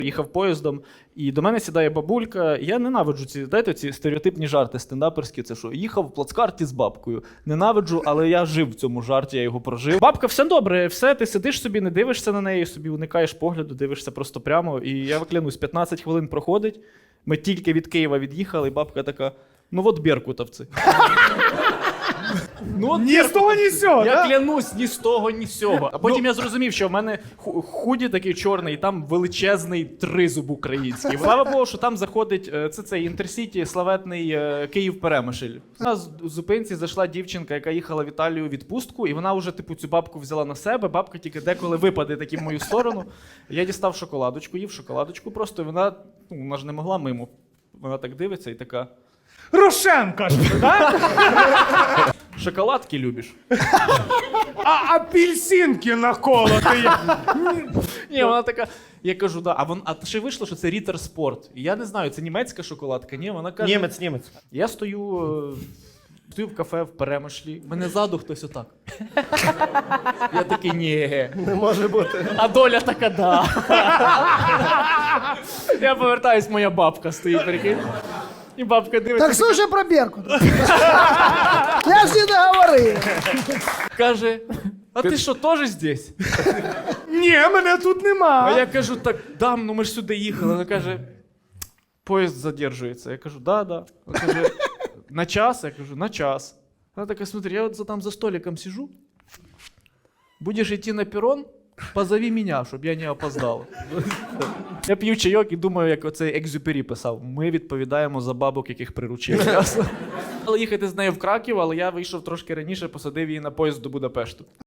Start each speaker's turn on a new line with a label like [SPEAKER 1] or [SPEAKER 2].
[SPEAKER 1] Їхав поїздом, і до мене сідає бабулька. Я ненавиджу ці стереотипні жарти стендаперські. Це що, їхав в плацкарті з бабкою. Ненавиджу, але я жив в цьому жарті, я його прожив. Бабка, все добре, все, ти сидиш собі, не дивишся на неї, собі уникаєш погляду, дивишся просто прямо. І я клянусь, 15 хвилин проходить, ми тільки від Києва від'їхали, і бабка така, ну от беркутовці. Ну,
[SPEAKER 2] Ні з того, ні з цього,
[SPEAKER 1] я
[SPEAKER 2] да?
[SPEAKER 1] клянусь, ні з того, ні з цього. А потім я зрозумів, що в мене худі такий чорний, і там величезний тризуб український. Слава Богу, що там заходить, це цей інтерсіті, славетний Київ-Перемишль. На зупинці зайшла дівчинка, яка їхала в Італію у відпустку, і вона вже, типу, цю бабку взяла на себе, бабка тільки деколи випаде таки в мою сторону. Я дістав шоколадочку, їв шоколадочку просто, і вона ж не могла мимо. Вона так дивиться і така...
[SPEAKER 2] Рошен, кажете, так?
[SPEAKER 1] Шоколадки любиш?
[SPEAKER 2] А апельсинки наколоти.
[SPEAKER 1] Ні, вона така. Я кажу, да. А ще вийшло, що це Рітер Спорт. І я не знаю, це німецька шоколадка. Ні, вона каже.
[SPEAKER 3] Німець.
[SPEAKER 1] Я стою в кафе в Перемишлі. Мене ззаду хтось отак. Я такий, ні.
[SPEAKER 3] Не може бути.
[SPEAKER 1] А доля така, да. Я повертаюсь, моя бабка стоїть, прикинь. І бабка дивиться.
[SPEAKER 4] Так слушай про Беркут. Я ж не договорив.
[SPEAKER 1] Каже, а ти що, теж здесь?
[SPEAKER 2] Ні, мене тут нема.
[SPEAKER 1] А я кажу, так, дам, ну ми ж сюди їхали. Вона каже, поїзд задержується. Я кажу, да. Вона каже, на час? Я кажу, на час. Вона така, смотри, я от там за столиком сижу. Будеш йти на перрон, позови мене, щоб я не опоздав. Я п'ю чайок і думаю, як оцей Екзюпері писав. Ми відповідаємо за бабок, яких приручили. Але їхати з нею в Краків, але я вийшов трошки раніше, посадив її на поїзд до Будапешту.